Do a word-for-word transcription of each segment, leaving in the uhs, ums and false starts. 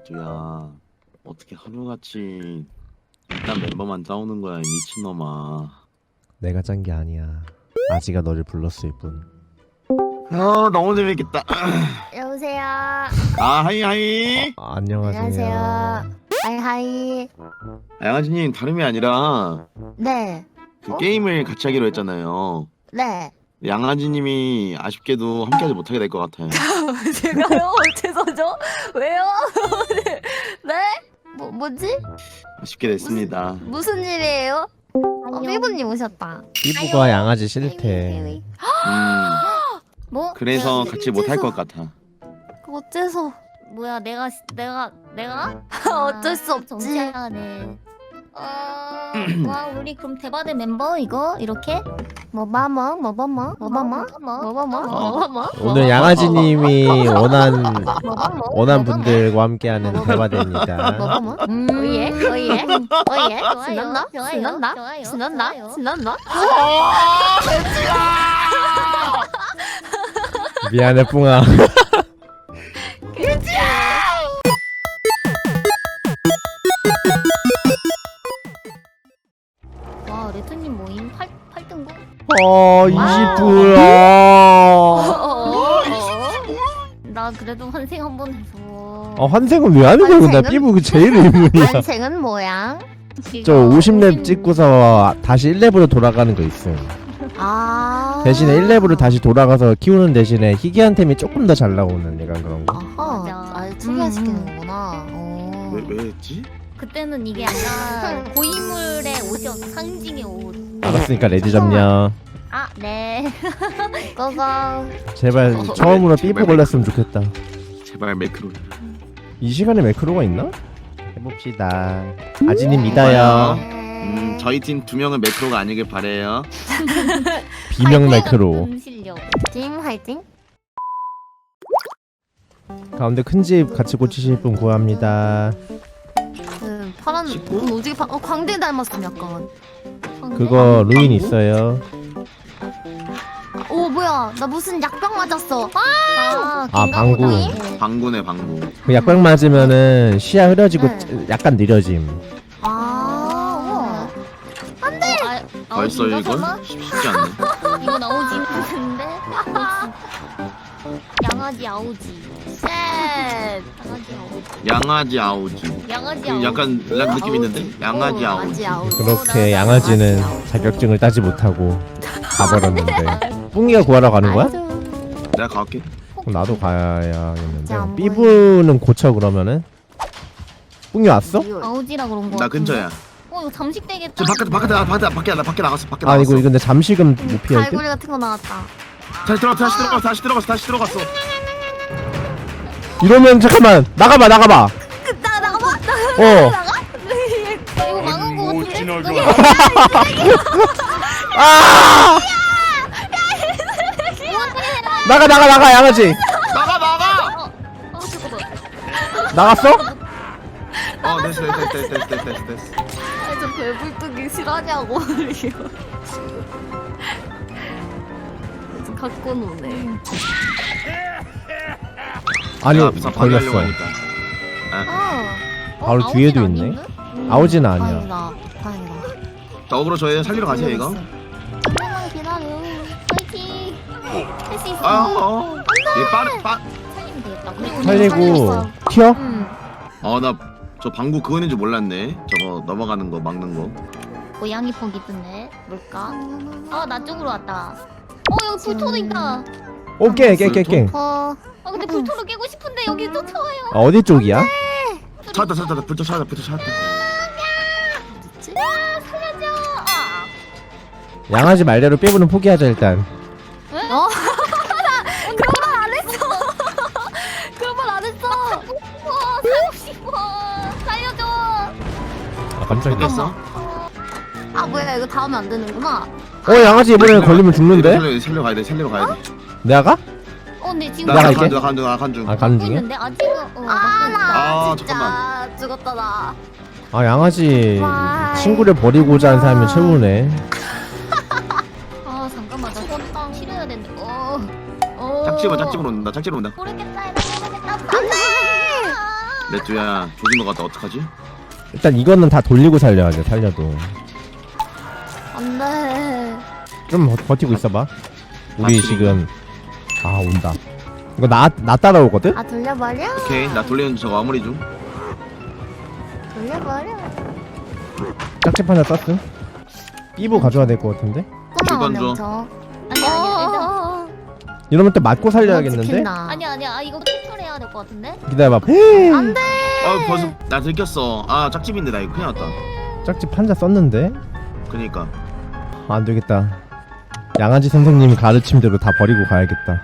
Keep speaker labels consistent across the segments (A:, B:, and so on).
A: 레드야, 어떻게 하루같이 일단 멤버만 짜오는 거야, 이 미친놈아.
B: 내가 짠 게 아니야. 아지가 너를 불렀을 뿐.
A: 아, 너무 재밌겠다.
C: 여보세요.
A: 아, 하이 하이.
B: 어, 안녕하세요.
C: 안녕하세요. 하이 하이.
A: 아, 양아지님 다름이 아니라
C: 네.
A: 그
C: 어?
A: 게임을 같이 하기로 했잖아요.
C: 네.
A: 양아지님이 아쉽게도 함께하지 못하게 될 것 같아요.
C: 제가요? 어째서죠? 왜요? 네? 뭐 뭐지?
A: 아쉽게 됐습니다.
C: 무슨 일이에요? 어, 삐부님 오셨다.
B: 피부가 양아지 싫대.
A: 음,
C: 뭐?
A: 그래서
C: 내가
A: 같이 못할
C: 어째서-
A: 것 같아.
C: 어째서?
D: 뭐야 내가 시- 내가 내가
C: 어쩔 수 없지.
D: 정치하네. 어, 와 우리 그럼 대바대 멤버 이거 이렇게
C: 뭐바뭐 뭐바뭐 뭐바뭐 뭐바뭐 뭐바뭐
B: 오늘 양아지님이 원한
C: 뭐바뭐
B: 원한 분들과 함께하는 대화대입니다.
C: 뭐바뭐
D: 음,
C: 오예 오예 오예
D: 좋아요,
C: 신난다
D: 좋아요,
C: 신난다
D: 좋아요,
C: 신난다
D: 좋아요.
C: 신난다.
B: 미안해 뿡아.
D: 와 레트님 모임 팔 팔등고.
B: 어 이십 불.
D: 나 그래도 환생 한 번 해서.
B: 어 환생은 왜 하는 거야? 나
C: 환생은?
B: 피부 그 제일 의문이야.
C: 완생은 뭐야?
B: 저 오십 렙 찍고서 다시 일 렙으로 돌아가는 거 있음.
C: 아
B: 대신에 일 렙으로 다시 돌아가서 키우는 대신에 희귀한 템이 조금 더 잘 나오는 약간 그런 거.
C: 아하
D: 맞아.
C: 아 특이시키는구나. 어.
A: 왜, 왜 했지?
D: 그때는 이게 약간 고인물의 옷이었어. 상징의 옷.
B: 알았으니까 레드 점령.
D: 아 네.
C: 고고.
B: 제발
A: 어,
B: 처음으로
A: 제발
B: 삐부 걸렸으면 좋겠다.
A: 제발 매크로.
B: 이 시간에 매크로가 있나? 해봅시다. 아지님 믿어요.
A: 음, 저희 팀 두 명은 매크로가 아니길 바래요.
B: 비명 매크로.
D: 음 실력.
C: 팀 화이팅.
B: 가운데 큰 집 같이 고치실 분 구합니다.
C: 그 파란
A: 식구?
C: 음, 오지게 파, 어, 광대 닮았음 약간.
B: 그거 루인 있어요.
C: 오 뭐야 나 무슨 약병 맞았어. 아
D: 아,
B: 아, 방구.
A: 방구네 방구.
B: 그 약병 맞으면은 시야 흐려지고
C: 네.
B: 약간 느려짐.
C: 아.
D: 안돼. 아,
A: 벌써
D: 아우지인가,
A: 이걸?
D: 설마?
A: 쉽지 않네.
D: 이건 아우지 같은데? 양아지 아우지.
C: 쉣.
D: 양아지 아우지.
A: 양아지 아우지.
D: 양아지
A: 그
D: 아우지.
A: 약간 락 느낌 있는데? 양아지
C: 어,
A: 아우지.
C: 양아지 아우지.
B: 그렇게 양아지는 자격증을 따지 못하고 가버렸는데. 뿡이가 구하러 가는 거야?
C: 아이고.
A: 내가 갈게.
B: 그럼 나도 가야겠는데.
C: 진짜 안
B: 삐부는 고쳐 그러면은? 뿡이 왔어?
D: 아우지라 그런 거.
A: 나
D: 같은데?
A: 근처야.
D: 어 이거 잠식 되겠다.
A: 저 바깥에 바깥에 나 바깥에 밖에 나 밖에 나갔어. 밖에
B: 아
A: 나갔어.
B: 이거 근데 잠식은 못 피할 듯?
C: 갈고리 같은 거 나왔다.
A: 다시 들어갔어. 다시 들어갔어. 다시 들어갔어. 다시 들어갔어.
B: 이러면 잠깐만 나가봐 나가봐.
C: 나 나가봐.
B: 어.
D: 아, 이거 망한 거 같은데?
B: 아! 나가 나가 나가 양아지.
A: 나가 나가.
D: 어 잠깐만.
B: 나갔어?
A: 어 됐어 됐어 됐어 됐어 됐어 됐어.
C: 저 배불뚝이 실화냐고 이거. 좀 갖고 노네.
B: 아니
A: 야, 부산 방해하려고
B: 걸렸어.
A: 하니까. 아,
C: 어.
B: 바로
D: 어,
B: 뒤에도
D: 아우지는
B: 있네.
D: 아닌데?
B: 아우지는 아니야.
C: 다행이다. 다행이다.
A: 자, 어그로 저희 살리러 가세요 이거.
D: 조금만 기다려. 파이팅. 할 수 있어.
A: 아, 어. 얘 빠르 빠.
D: 살리면 되겠다. 그리고
B: 살리고 튀어?
C: 응.
A: 어, 나 저 방구 그거 있는 줄 몰랐네. 저거 넘어가는 거 막는 거.
D: 고양이 퍽 있던데 뭘까? 아 나 쪽으로 왔다. 어 여기 불토도 있다.
B: 오케이 깨깨깨.
C: 어.
D: 아 근데 불토를 깨고 싶은데 여기 쫓아와요.
B: 아, 어디 쪽이야?
A: 찾았다 찾았다 불터 찾았다 불터 찾았다.
D: 아 살려줘. 아.
B: 양아지 말대로 삐부는 포기하자 일단.
C: 어? 그런 말 안 했어. 그런 말 안 했어.
D: 와 살고 싶어. 살려줘.
B: 아 깜짝이야.
A: 됐어?
C: 아 뭐야 이거 닿으면 안 되는구나.
B: 어 양아지 이번에 걸리면 죽는데?
A: 살려 살려 가야 돼. 살려 가야 돼.
B: 내가 가?
D: 어 근데 지금
B: 나가,
A: 나
B: 이게?
A: 간중 나 간중 나 간중.
B: 아 가는 중이야?
D: 있는데 아직은 어,
C: 아 나
A: 아,
C: 진짜
A: 잠깐만.
C: 죽었다 나.
B: 아 양아지
C: 와.
B: 친구를 버리고자 하는 사람이 최후네.
D: 아 잠깐만 나 손 치료해야 되는데. 어. 어.
A: 짝집어 짝집으로 온다. 짝집으로 온다.
D: 모르겠다. 나 모르겠다.
C: 안돼.
A: 레뚜야 조진 것 같다. 어떡하지?
B: 일단 이거는 다 돌리고 살려야 돼. 살려도
C: 안돼.
B: 좀 버- 버티고 있어봐. 우리
A: 맞추기.
B: 지금 아 온다. 이거 나 나 따라오거든?
C: 아 돌려버려.
A: 오케이 나 돌리는 저거 마무리 중.
C: 돌려버려.
B: 짝집 하나 땄음. 삐부 가져와야 될 것 같은데?
A: 일번
C: 꼬마
A: 줘.
C: 원명
D: 아니 아니 일단
C: 어.
B: 이러면 또 맞고 살려야겠는데?
C: 지킨다.
D: 아니야 아니야 아 이거 캡처를 해야 될 것 같은데?
B: 기다려봐.
C: 안돼.
A: 아 벌써 나 들켰어. 아 짝집인데 나 이거 큰일 났다.
B: 짝집 한자 썼는데?
A: 그니까
B: 아, 안 되겠다. 양아지 선생님 가르침대로 다 버리고 가야겠다.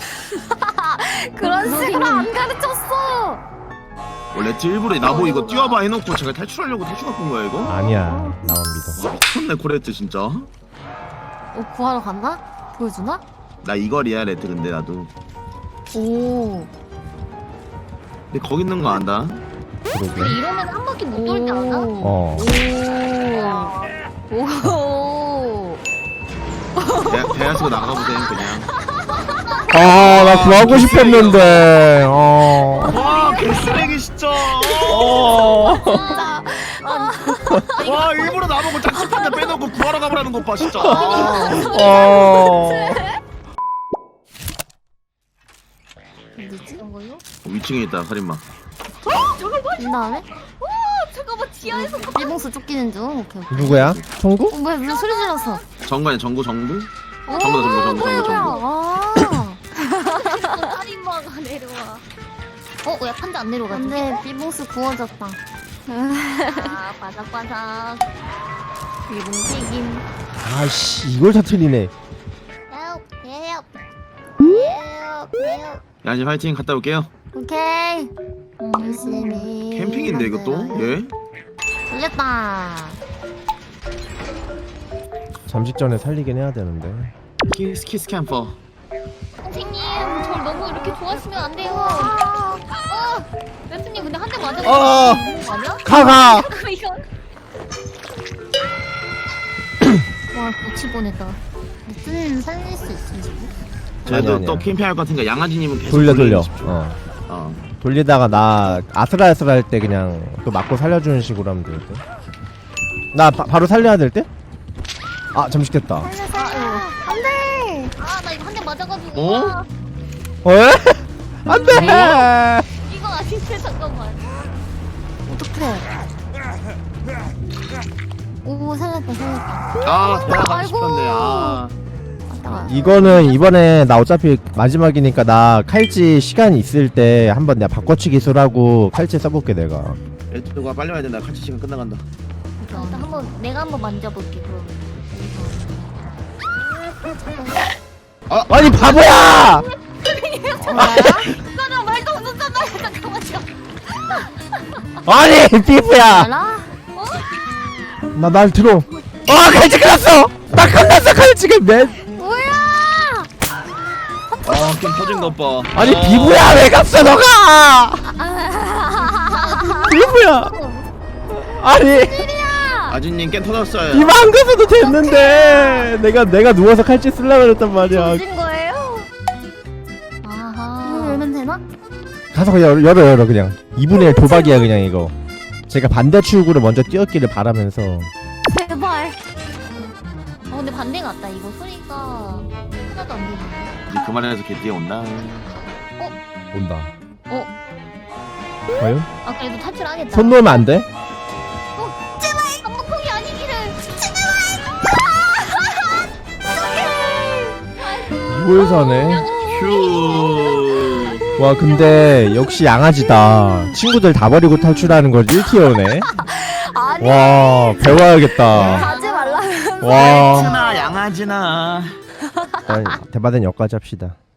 C: 그런 식으로 안 가르쳤어.
A: 원래 레트 일부러 나보 이거 뛰어봐 해놓고 제가 탈출하려고 탈출 갖고 온 거야 이거?
B: 아니야. 나만 믿어.
A: 미쳤네 코레트 진짜.
C: 어 구하러 간다? 보여주나?
A: 나 이거리야 레트 근데 나도.
C: 오.
A: 근데 거기 있는 거 안다.
B: 그러게.
D: 근데 이러면 한 바퀴 못 돌지 않아?
B: 어.
C: 오. 오.
A: 배, 배야 쓰고 나가보세요 그냥.
B: 아, 나 구하고 싶었는데. 어.
A: 와 개쓰레기 진짜.
B: 어.
C: 진짜.
A: 와 일부러 나보고 짝집 한대 빼놓고 구하러 가보라는 것 봐 진짜. 아.
B: 어.
C: 어디지?
D: 이런 거요?
A: 위층에 있다 살인마.
C: 이 다음에?
D: 잠깐만 지하에서
C: 일봉수 쫓기는 중. 오케이 오케이.
B: 누구야? 청구?
C: 어, 뭐야 무슨 소리 질렀어?
A: 정관이 정구 정구?
C: 오,
A: 정구다 정구 정구
C: 뭐야,
A: 정구 정구.
C: 뭐야. 아.
D: 살인마가 내려와. 어? 왜 판자 안 내려가지?
C: 안돼 비봉수 구워졌다.
D: 아 바삭바삭. 일본 튀김.
B: 아씨, 이걸 다 틀리네.
D: Help! Help! Help! Help!
A: 야지 파이팅 갔다 올게요.
C: 오케이. 열심히.
A: 캠핑인데 이것도? 예?
C: 들렸다.
B: 잠식 전에 살리긴 해야 되는데.
A: 키스 키스 캠퍼.
D: 선생님, 절 너무 이렇게 좋아하시면 안 돼요. 어! 레트님 근데 한 대 맞아가지고
B: 어.
D: 죽는 거 아니야?
B: 가가.
D: 이거. 와, 고치 보냈다.
C: 무슨 살릴 수 있지?
B: 아니야,
A: 쟤도
B: 아니야.
A: 또 캠핑할 것 같으니까 양아지님은 계속
B: 돌려 돌려.
A: 돌리고 싶죠.
B: 어.
A: 어.
B: 돌리다가 나 아슬아슬 할 때 그냥 또 맞고 살려주는 식으로 하면 될 듯. 나 바, 바로 살려야 될 듯? 아, 잠식 됐다.
C: 살려 살려. 안돼.
D: 아, 나 이거 한 대 맞아가지고.
A: 어?
D: 와,
B: 어? 안 돼!
D: 이거 아닌데, 잠깐만.
C: 어떡해. 오 살렸다 살렸다.
A: 아 대화 가고
C: 아이고.
A: 싶었네. 아.
C: 왔다가.
B: 이거는 이번에 나 어차피 마지막이니까 나 칼찌 시간 있을 때 한번 내가 바꿔치 기술하고 칼찌 써볼게 내가.
A: 애들과 빨리 와야 된다. 같이 시간 끝나간다.
D: 일단 한번 내가 한번 만져볼게. 그럼.
B: 아니 바보야!
D: 이거는 말도 없었잖아요. 잠깐만요.
B: 아니 피부야!
C: 알아?
B: 나 날 들어. 아 칼찌 끝났어! 나 끝났어 칼찌가 맨.
C: 뭐야?
A: 아 게임 터진 것 봐.
B: 아니
A: 아.
B: 비부야 왜 갔어 너가! 비부야! 아니
A: 아진님 게임 터졌어요.
B: 비부 안 가서도 됐는데 내가 내가 누워서 칼찌 쓰려고 그랬단 말이야.
C: 조진 거예요? 이거
D: 아하.
C: 열면 되나?
B: 가서 열어 열어 열어 그냥 이분의 일 도박이야 그냥 이거. 제가 반대 출구를 먼저 뛰었기를 바라면서.
C: 제발.
D: 어, 근데 반대 같다. 이거 소리가 하나도 안 들리네.
A: 이제 그만해서 개 뛰어온다.
B: 온다.
D: 어?
B: 과연?
D: 아, 그래도 탈출하겠다.
B: 손 놓으면 안 돼?
D: 한복콩이 아니기를.
B: 이골사네.
A: 휴.
B: 와 근데 역시 양아지다. 친구들 다 버리고 탈출하는 걸 일 티어네.
C: 아니
B: 와 배워야겠다.
C: 가지 말라.
B: 와
A: 양아지나 양아지나.
B: 일단 대바된 여기까지 합시다.